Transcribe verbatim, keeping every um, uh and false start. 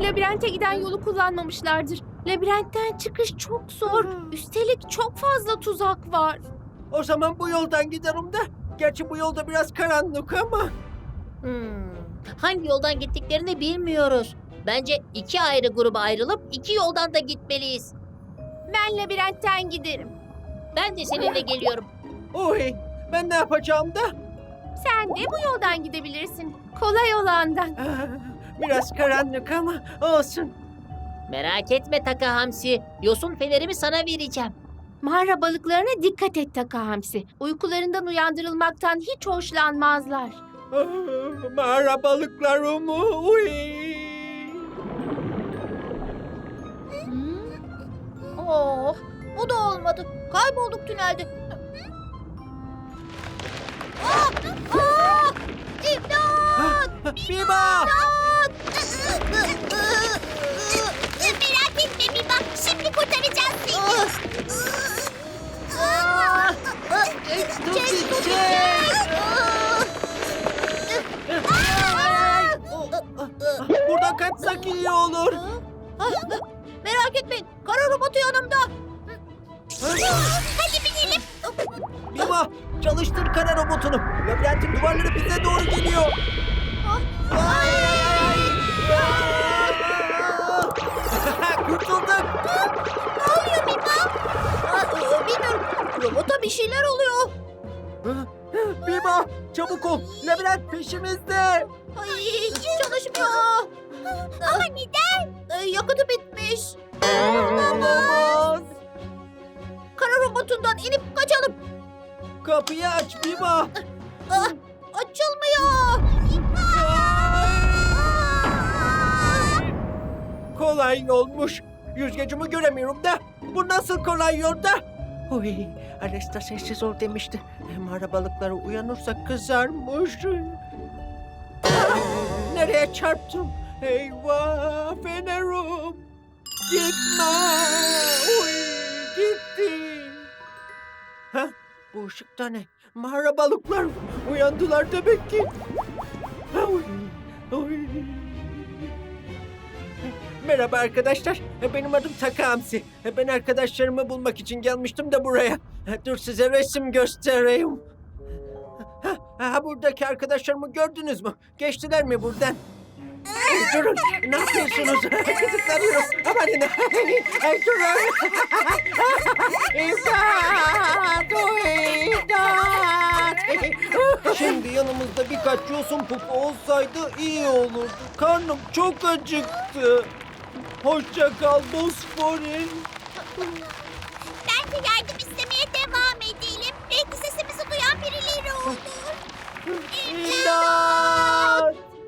labirente giden yolu kullanmamışlardır. Labirentten çıkış çok zor. Üstelik çok fazla tuzak var. O zaman bu yoldan giderim de. Gerçi bu yolda biraz karanlık ama. Hmm, hangi yoldan gittiklerini bilmiyoruz. Bence iki ayrı gruba ayrılıp iki yoldan da gitmeliyiz. Ben labirentten giderim. Ben de seninle geliyorum. Oy, ben ne yapacağım da? Sen de bu yoldan gidebilirsin. Kolay olandan. Ah, biraz karanlık ama olsun. Merak etme Taka Hamsi. Yosun fenerimi sana vereceğim. Mağara balıklarına dikkat et Taka Hamsi. Uykularından uyandırılmaktan hiç hoşlanmazlar. Ah, mağara balıklarım. Uy. Oh, bu da olmadı. Kaybolduk tünelde. Ah, ah, İmdat! Biba! Merak etme Biba, şimdi kurtaracağız seni. Çek, çek! Buradan kaçsak iyi olur. Merak etmeyin, kara robotu yanımda. Hadi binelim. Biba, çalıştır kara robotunu. Labirentin duvarları bize doğru geliyor. Ay, ay, ay. Kurtulduk. Ne oluyor Biba? Bilmiyorum, robota bir şeyler oluyor. Biba, çabuk ol. Labirent peşimizde. Ay, hiç çalışmıyor. Ama neden? Ee, yakıtı bitmiş. Olamaz. Kara robotundan inip kaçalım. Kapıyı aç Biba. Ah, açılmıyor. Kolay yolmuş. Yüzgecimi göremiyorum da. Bu nasıl kolay yolda? Oy, Alesta sessiz ol demişti. Mağara balıkları uyanırsa kızarmış. Ay, nereye çarptım? Eyvah, fenerim. Gitme. Oy, gitti. Ha, bu ışıkta ne? Mağara balıklar uyandılar demek ki. Oy, oy. Merhaba arkadaşlar. Benim adım Taka Hamsi. Ben arkadaşlarımı bulmak için gelmiştim de buraya. Dur size resim göstereyim. Ha, ha, buradaki arkadaşlarımı gördünüz mü? Geçtiler mi buradan? Ay, durun. Ne yapıyorsunuz? Kızıklanıyoruz. Amanın. Ay, durun. İmdat! İmdat! Şimdi yanımızda birkaç yosun pupu olsaydı iyi olurdu. Karnım çok acıktı. Hoşça kal Bosfor'in. Ben de yardım isterim.